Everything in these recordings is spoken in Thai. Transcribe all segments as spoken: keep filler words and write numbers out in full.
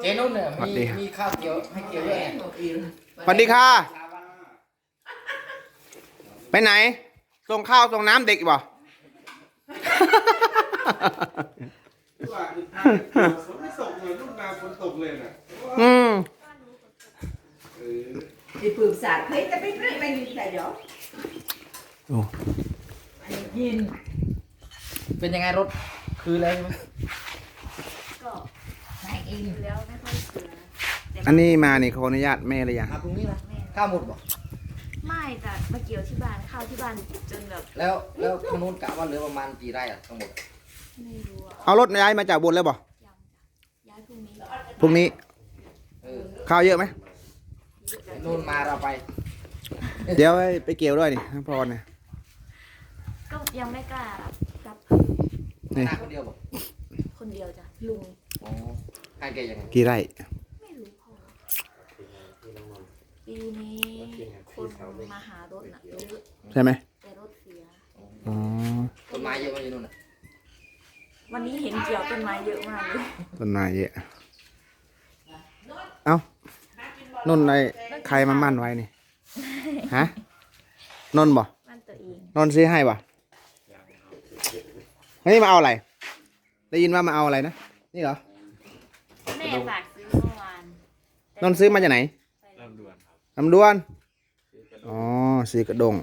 เจนุ่นเนี่ยมีมีข้าวเกี๊ยวให้เกี๊ยวด้วยสวัสดีค่ะไปไหนส่งข้าวส่งน้ำเด็กบ่ไม่ส่งเลยลูกนาฝนตกเลยน่ะอืม thì phường xã thấy ta biết rất bao nhiêu tài đó โอ้ nhìn เป็นยังไงรถคืออะไรไหมก็นายเองแล้วไม่ค่อยเสืออันนี้มานี่ขออนุญาตแม่เลยยังมาพรุ่งนี้นะข้าวหมดบ่ไม่แต่มาเกี่ยวที่บ้านข้าวที่บ้านจนแบบแล้วแล้วทางนู้นกะว่าเหลือประมาณกี่ไร่อะทั้งหมดไม่รู้อะเอารถย้ายมาจากบนเลยบ่ยังจ้ะย้ายพรุ่งนี้พรุ่งนี้เออข้าวเยอะไหมนู่นมาเราไปเดี๋ยวไปเกี่ยวด้วยนี่น้ำพรเนี่ยก็ยังไม่กล้ารับนี่หน้าคนเดียวบ่คนเดียวจ้ะลุงอ๋อให้แกยังไงกี่ไร่ไม่รู้พ่อปีนี้คนมาหารถน่ะเยอะใช่ไหมแต่รถเสียอ๋อต้นไม้เยอะไหมอยู่นู่นน่ะวันนี้เห็นเกี่ยวต้นไม้เยอะมากเลยต้นไม้เยอะเอ้านุ่นไอ้ใครมามั่นไว้นี่ฮะนนท์บ่บ้านตัวเองนนท์ซื้อให้บ่นี่มาเอาอะไรได้ยินว่ามาเอาอะไรนะนี่เหรอแม่ฝากซื้อเมื่อวานนนท์ซื้อมาจากไหนลำดวนครับลำดวน อ๋อสีกระดง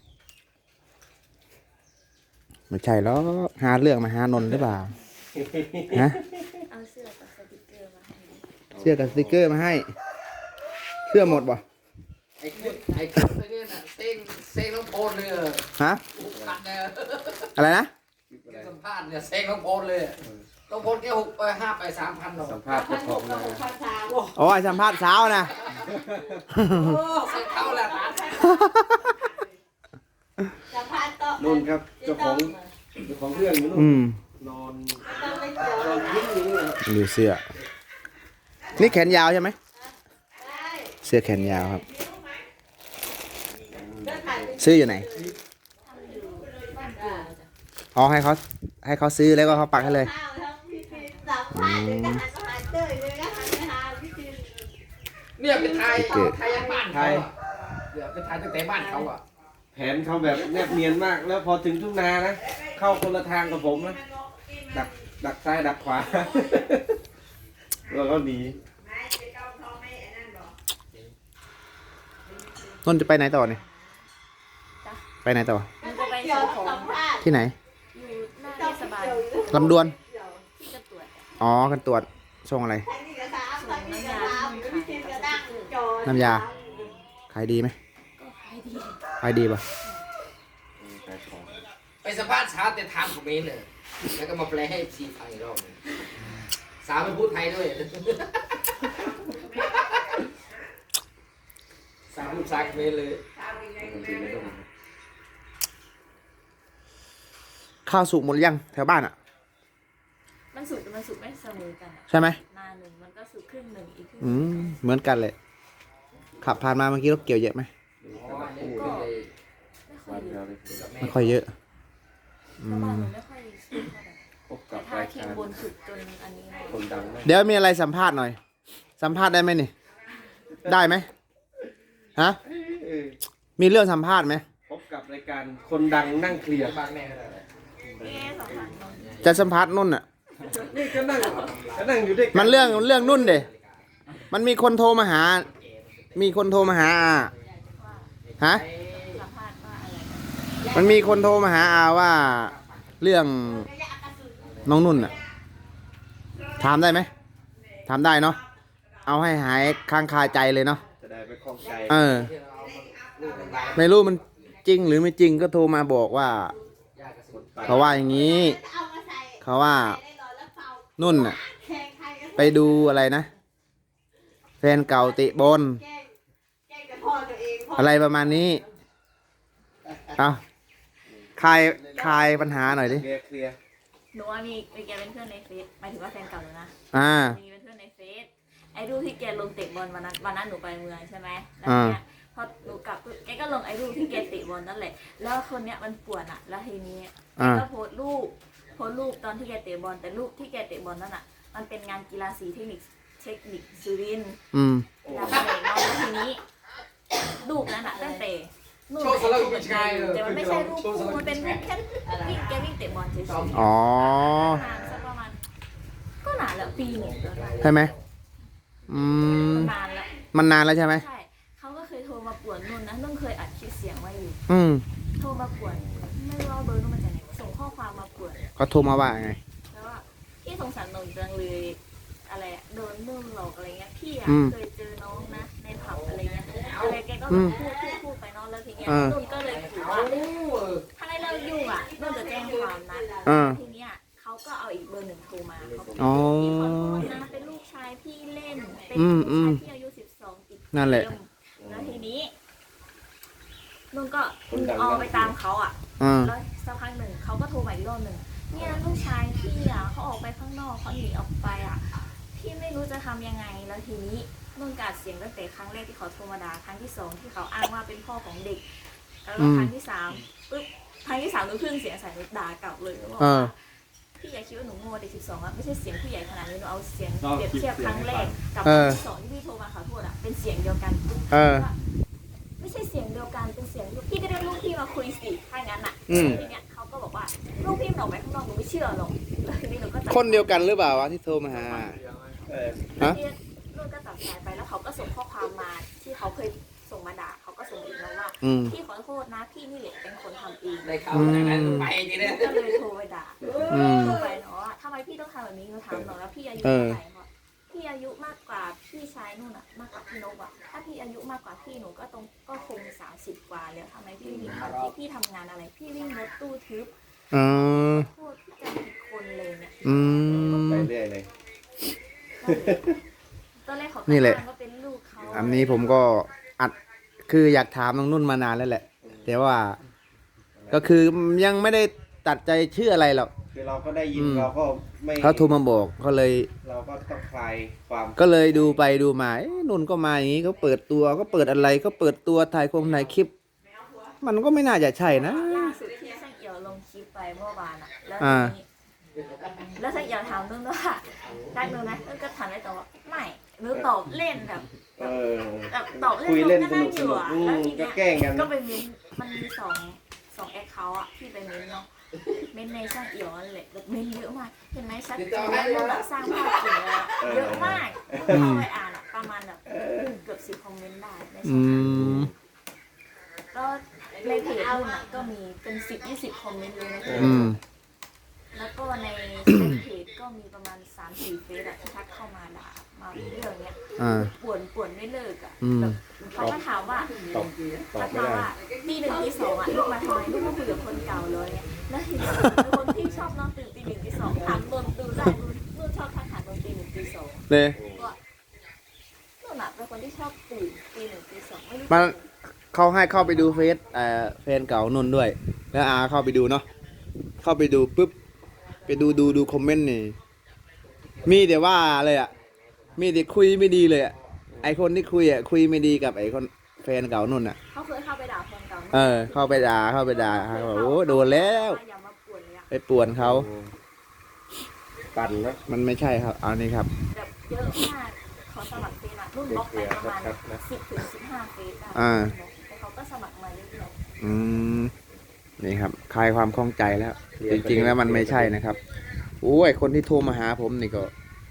ไม่ใช่แล้วหาเรื่องมาหานนท์หรือเปล่า ฮะเอาเสื้อกับสติกเกอร์มาให้เสื้อกับสติกเกอร์มาให้ เสื้อหมดบ่ไอ้คุดไอ้คุดไอ้เนี่ยน่ะเซ็งเซ็งน้องโพนเลยอะฮะขัดเนี่ยอะไรนะสัมภาษณ์เนี่ยเซ็งน้องโพนเลยน้องโพนแค่หกไปห้าไปสามพันหรอกสัมภาษณ์เจ้าของนาภาษาโอ้ยสัมภาษณ์เช้านะโอ้เซ็งเข้าแล้วนะจะพาต่อนุ่นครับเจ้าของเจ้าของเรื่องอยู่นู่นอืมนอนต้องไปเกี่ยวนอนยิ้มอยู่นี่ครับดูเสื้อ นี่แขนยาวใช่ไหมได้เสื้อแขนยาวครับเดินผ่านไปซื้ออยู่ไหนบ้านปู่จ้ะอ๋อให้เขาให้เขาซื้อแล้วก็เขาปักให้เลยข้าวทั้งพิธีสัมภาษณ์เดี๋ยวก็หันมาหาเต้ยเดี๋ยวก็หันไปหาพิธีเนี่ยเป็นไทยไทยยังบ้านเขาอ่ะเดี๋ยวเป็นไทยตั้งแต่บ้านเขาอ่ะแผนเขาแบบแนบเนียนมาก แล้วพอถึงทุ่งนานะ เข้าคนละทางกับผมนะ ดักดักซ้ายดักขวา แล้วก็หนีนนท์จะไปไหนต่อเนี่ยไปไหนต่อมันจะไปเกี่ยซื้วอของสัมภาษณ์ที่ไหนอยู่หน้าเทศบาลลำดวนที่จะตรวจจ้ะอ๋อกันตรวจส่งอะไรใครมีกระทะใครมีกระทะพิธีกระดังจอน้ำยา ขายดีไหมก็ขายดีขายดีป่ะไปสัมภาษณ์สาวแต่ถามคอมเมนต์เลยแล้วก็มาแปลให้ซีไทยรอบนึงสาวเป็นพูดไทยด้วยสาวพูดภาษาคอมเมนต์เลยข้าวสุกหมดหรือยังแถวบ้านอ่ะมันสุกแต่มันสุกไม่เสมอกันอะใช่ไหมนาหนึ่งมันก็สุกครึ่งหนึ่งอีกครึ่งอืมเหมือนกันเลย ขับผ่านมาเมื่อกี้รถเกี่ยวเยอะไหมอ๋ออันนี้ก็เลยไม่ค่อยวันเยเดีอะยวเลยไม่ค่อยเยอะ อืเพราะบ้านมหนูไม่ค่อยสุกเท่าไหร่พบแต่กับถ้ารายเคียกาง รบนสุดจนอันนี้หน่อยคนดังนะเดี๋ยวมีอะไรสัมภาษณ์หน่อย สัมภาษณ์ได้ไหมนี่ ได้ไหมฮะเออมีเรื่องสัมภาษณ์ไหมพบกับรายการคนดังนั่งเคลียร์บ้านแม่ก็ได้เอ๊ะสองพันน้องจะสัมภาษณ์นุ่นอ่ะนี่ก็นั่งก็นั่งอยู่ด้วยกัมันเรื่องเรื่องนุ่นเดมันมีคนโทรมาหา มีคนโทรมาหาอาฮะสัมภาษณ์ว่าอะไรนะมันมีคนโทรมาหาอาว่า เรื่องน้องนุ่นอ่ะ ถามได้ไหม ถามได้เนาะ เอาให้หายค้างคาใจเลยเนาะจะได้ไม่คล่องใจเออ ไม่รู้มันจริงหรือไม่จริงก็โทรมาบอกว่า เขาว่าอย่างนี้เอามาใส่เขาว่าได้รอแล้วเป่านุ่นอ่ะแข่งใครก็ไปดูอะไรนะ แฟนเก่าเตะบอลแกล้งแกล้งแต่พ่อตัวเองพ่ออะไรประมาณนี้ เอาคลายคลายปัญหาหน่อยดิเคลียร์เคลียร์หนูว่ามีมีแกเป็นเพื่อนในเฟซหมายถึงว่าแฟนเก่าหนูนะอ่ามีเป็นเพื่อนในเฟซไอ้รูปที่แกลงเตะบอลวันนั้นวันนั้นหนูไปเมืองใช่ไหมแล้วอ่าเนี่ยพอหนูกลับปุ๊บแกก็ลงไอ้รูปที่แกเตะบอลนั่นแหละแล้วคนเนี้ยมันป่วนอ่ะ แล้วทีนี้แกอ่าก็โพสต์รูปโพสต์รูปตอนที่แกเตะบอลแต่รูปที่แกเตะบอลนั่นอ่ะมันเป็นงานกีฬาสีเทคนิคเทคนิคสุรินทร์อืมแล้วก็เลยนอนแล้วทีนี้ลูกนั้นอะตั้งแต่นู่นโชว์สารคดีชายแต่มันไม่ใช่รูปคู่มันเป็นรูปแค่วิ่งแกวิ่งเตะบอลเฉยๆอ๋อนานสักประมาณก็นานแล้วปีหนึ่งแล้วนะใช่ไหมอืมนานแล้วมันนานแล้วใช่ไหมใช่เขาก็เคยโทรมาป่วนนุ่นนะนุ่นเคยอัดคลิปเสียงไว้อยู่อืมโทรมาป่วนไม่รู้ว่าเบอร์นุ่นมาจากไหนส่งข้อความมาป่วนเขาโทรมาว่าไงแล้วว่าพี่สงสารนนท์จังเลยอะไรอะโดนนุ่นหลอกอะไรเงี้ยพี่อะอืมเคยเจอน้องนะในผับอะไรเงี้ยอะไรแกก็อืแบบมพูดพูดพูดไปเน้องแล้วทีเนี้ยเออนุ่นก็เลยถือว่าถ้าให้เรายุ่งอะนุ่นจะแจ้งความนะเออทีเนี้ยเขาก็เอาอีกเบอร์หนึ่งโทรมาเขาบอกอ๋อพี่ขอโทษนะเป็นลูกชายพี่เล่นเป็นอืลูมกอืชาม ยพี่อายุสิบสองติดเกมนั่นแหละแล้วทีนี้นุ่นก็คนดังเอาไปตามเขาอ่ะอ่าแล้วสักพักหนึ่งเขาก็โทรมาอีกรอบหนึ่งเนี่ยลูกชายพี่อ่ะเขาออกไปข้างนอกเขาหนีออกไปอ่ะพี่ไม่รู้จะทำยังไงแล้วทีนี้นุ่นกาดเสียงตั้งแต่ครั้งแรกที่เขาโทรมาด่าครั้งที่สองที่เขาอ้างว่าเป็นพ่อของเด็ก แล้วก็ครั้งที่สามปึ๊บครั้งที่สามนุ่นขึ้นเสียงใส่นุ่นด่ากลับเลยบอกเอว่าอพี่อย่าคิดว่าหนูโง่เด็กสิบสองอะไม่ใช่เสียงผู้ใหญ่ขนาดนี้หนูเอาเสียงเปรียบเทียบครั้งแรกกับคเอรั้งอที่สองที่พี่โทรมาขอโทษอะเป็นเสียงเดียวกันเออว่าไม่ใช่เสียงเดียวกันเป็นเสียงลูกพี่ก็เรียกลูกพี่มาคุยสิถ้างั้นอะอืมทีเนี้ยเขาก็บอกว่าลูกพี่มันออกไปข้างนอกหนูไม่เชื่อหรอกแล้วทีนี้หนูก็จับคนเดียวกันหรือเปล่าวะที่โทรมาหาเออฮะที่นุ่นก็ตัดสายไปแล้วเขาก็ส่งข้อความมาที่เขาเคยส่งมาด่าเขาก็ส่งอีกแล้วว่าอืมพี่ขอโทษนะพี่นี่แหละเป็นคนทำเองได้ข่าวจากนั้นไปทีนี้ก็เลยโทรไปด่าอืมโทรไปเนาะว่าทำไมพี่ต้องทำแบบนี้หนูถามหน่อยแล้วพี่อายุเอเท่าอไหร่คะพี่อายุมากกว่าพี่ชายนู่นอะมากกว่าพี่นกอะถ้าพี่อายุมากกว่าพี่หนูก็ตรงก็คงสามสิบกว่าแล้วทำไมพี่วิ่งรถพี่พี่ทำงานอะไร พี่วิ่งรถตู้ทึบเออพูดพี่จะผิดคนเลยเนี่ยอืมไปเรื่อยเลยตอนแรกเขานี่แหละอ้างว่าเป็นลูกเขาอันนี้ผมก็อัดคืออยากถามน้องนุ่นมานานแล้วแหละ แต่ว่า ก็คือยังไม่ได้ตัดใจเชื่ออะไรหรอกคือเราก็ได้ยินอืมเราก็ไม่เขาโทรมาบอกก็เลยเราก็ต้องคลายความก็เลยดูไปดูมาเอ๊ะนุ่นก็มาอย่างนี้เขาเปิดตัวก็เปิดอะไรก็เปิดตัวถ่ายคงถ่ายคลิป มันก็ไม่น่าจะใช่นะล่าสุดที่ช่างเอี่ยวลงคลิปไปเมื่อวานอะแล้วอ่าทีนี้แล้วช่างเอี่ยวถามนุ่นว่าได้นุ่นไหมนุ่นก็ถามได้ตอบว่าไม่นุ่นตอบเล่นแบบเออแบบตอบเล่นคุยเล่นก็สนั่นุงกอสยู่นุกอะอืแล้วมทีก็เนี้ยแกล้งกันก็ไปเม้นมันมีสองสองแอคเคาท์อะที่ไปเม้นเนาะเม้นในช่างเอี่ยวนั่นแหละแบบเม้นเยอะมากเห็นไหมชัดเจนแล้วแบบสร้างภาพจริงเลยอะเยอะมากเข้าไปอ่านอะประมาณแบบเกือบสิบคอมเมนต์ได้ในอืช่องทางมก็ในเพจนู่นอะก็มีเป็นสิบยี่สิบคอมเมนต์เลยในเพจอืมแล้วก็ในเพจก็มีประมาณสามสี่เฟซอะที่ทักเข้ามาด่ามาเรื่องเนี้ยอ่าป่วนป่วนไม่เลิกอะอืมแบบเขาก็ถามว่าตอบตอทับกไม่มาได้ว่าตีหนึ่งตีสองอะลูกมาทำไมลูกมาคุยกับคนเก่าเลยเนี่ยแล้วทีนี้เป็นคนที่ชอบนอนตื่นตีหนึ่งตีสองถามนนดูได้ดูนู่นชอบทักหานนตีหนึ่งตีสองเลยก็นู่นอะเป็นคนที่ชอบตื่นตีหนึ่งตีสองไม่รู้มันเขาให้เข้าไปดูเฟซเอ่อแฟนเก่านุ่นด้วย แล้วอาเข้าไปดูเนาะเข้าไปดูปุ๊บไปดูดูดูคอมเมนต์นี่มีแต่ว่าเลยอ่ะมีแต่คุยไม่ดีเลยอ่ะไอคนที่คุยอ่ะคุยไม่ดีกับไอคนแฟนเก่านุ่นอ่ะเขาเคยเข้าไปด่าแฟนเก่าเออ เข้าไปด่าเข้าไปด่าเขาบอกโอ้โดนแล้วอย่ามาป่วนเลยอะไปป่วนเขาปั่นนะมันไม่ใช่ครับเอานี่ครับแบบเยอะมากเขาสมัครเฟซอะรุ่นบล็อกไปประมาณสิบถึงสิบห้าเฟซได้อ่าแต่เขาก็สมัครมาเรื่อยอืมนี่ครับคลายความข้องใจแล้ว จริงๆแล้วมันไม่ใช่นะครับโอ้ยคนที่โทรมาหาผมนี่ก็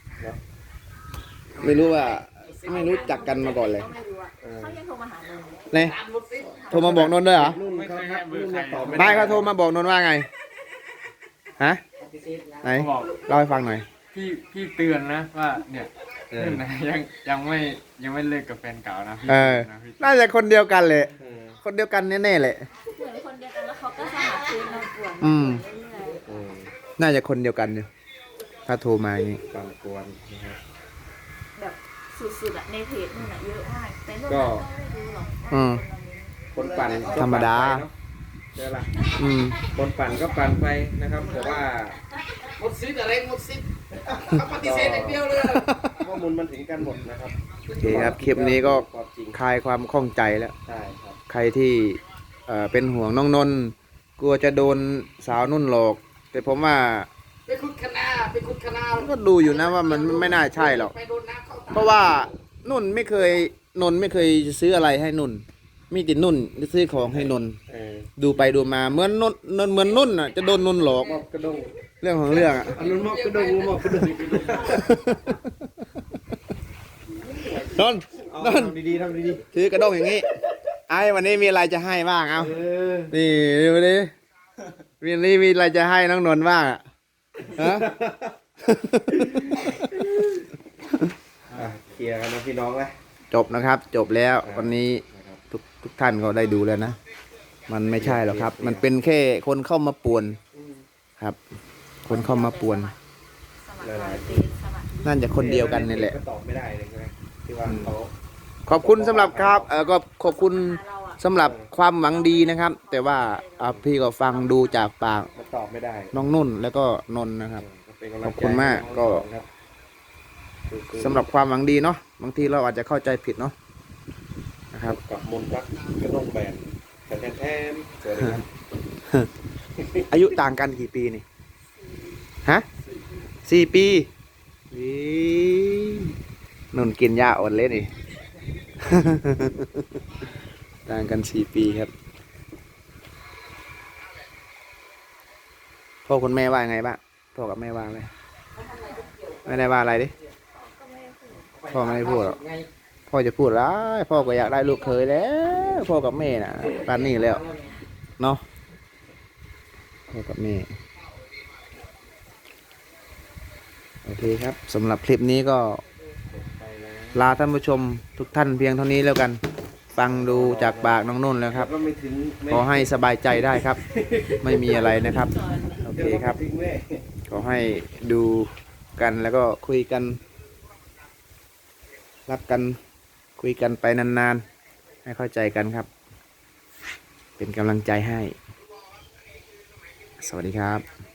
ไม่รู้ว่าๆไม่รู้จักกันมาก่อนเลยก็ไม่รู้อะเขายังโทรมาหาเราเลยเนี่ยโทรมาบอกนนท์ด้วยเหรอนุ่นเขาทักนุ่นมาตอบไม่ไม่ได้เขาโทรมาบอกนนท์ว่าไงฮะไหนเขาบอกเล่าให้ฟังหน่อยพี่พี่เตือนนะว่าเนี่ยเออนะยังยังไม่ยังไม่เลิกกับแฟนเก่านะพี่เออนะพี่น่าจะคนเดียวกันเลยเออคนเดียวกันแน่ๆเลยเหมือนคนเดียวกันแล้วเขาก็สมัครเฟซมาป่วนอืมเรื่อยเออน่าจะคนเดียวกันอยู่ถ้าโทรมาอย่างนี้ปั่นกวนนะครับๆแบบสุดๆอะในเพจนู่นอะเยอะมากแต่นู่นก็อะก็ไม่รู้หรอกว่าอืมคนละเม้นคนปั่นก็ธรรมดาปั่นไปเนอะใช่ปะอืมคนปั่นก็ปั่นไปนะครับแต่ว่าหมดซิดอะไรหมดซิดเขาปฏิเสธอย่างเดียวเลยข้อมูลมันถึงกันหมดนะครับโอเคครับคลิปนี้ก็ความจริงคลายความข้องใจแล้วใช่ครับใครที่เอ่อเป็นห่วงน้องนนท์กลัวจะโดนสาวนุ่นหลอก แต่ผมว่าไปขุดคณาไปขุดคณาก็ดูอยู่นะว่ามันไม่น่าใช่หรอกไปโดนน้ำเข้าตาเพราะว่านุ่นไม่เคยนนไม่เคยซื้ออะไรให้นุ่น มีแต่นุ่นจะซื้อของให้นนเออดูไปดูมาเหมือนนุ่นนนเหมือนนุ่นอ่ะจะโดนนุ่นหลอกมอบกระดงเรื่องของเรื่องอ่ะอันนั้นมอบกระดงมอบกระดงนนเอานนทำดีๆทำดีถือกระด้งอย่างนี้ไอ้วันนี้มีอะไรจะให้บ้างเอาๆเออนี่วันนี้วันนี้มีอะไรจะให้น้องนนท์บ้างอ่ะฮะอ่ะเคลียร์กันนะพี่น้องนะจบนะครับ จบแล้ววันนี้ทุกทุกท่านก็ได้ดูแล้วนะ มันไม่ใช่หรอกครับ มันเป็นแค่คนเข้ามาป่วนครับ คนเข้ามาป่วนสมัครรอยเป็นสมัครน่าจะคนเดียวกันนี่แหละก็ตอบไม่ได้เลยใช่ไหมที่ว่าเขาขอบคุณสำหรับครับเออก็ขอบคุณสำหรับความหวังดีนะครับ แต่ว่าอ่าพี่ก็ฟังดูจากปากมันตอบไม่ได้น้องนุ่นแล้วก็นนท์นะครับเป็นกำลังใจขอบคุณมากก็ครับสำหรับความหวังดีเนาะบางทีเราอาจจะเข้าใจผิดเนาะนะครับกับมนต์รักกระดงแบนแต่แทนๆสวัสดีครับอายุต่างกันกี่ปีนี่ฮะสี่ปีอีนุ่นกินยาอ่อนเล่นนี่ ต่างกันสี่ปีครับพ่อคุณแม่ว่าไงบ้างพ่อกับแม่ว่าไงไม่ได้ว่าอะไรดิพ่อไม่ได้พูดหรอกพ่อจะพูดร้ายพ่อก็อยากได้ลูกเคยแล้วพ่อกับแม่น่ะปานนี้แล้วเนาะพ่อกับแม่โอเคครับสำหรับคลิปนี้ก็ลาท่านผู้ชมทุกท่านเพียงเท่านี้แล้วกัน ฟังดูจากปากน้องนุ่นแล้วครับก็ไม่ถึงไม่ขอให้สบายใจได้ครับ ไม่มีอะไรนะครับ โอเคครับถึงแม่ขอให้ดูกันแล้วก็คุยกัน รักกันคุยกันไปนานๆ ให้เข้าใจกันครับ เป็นกำลังใจให้ สวัสดีครับ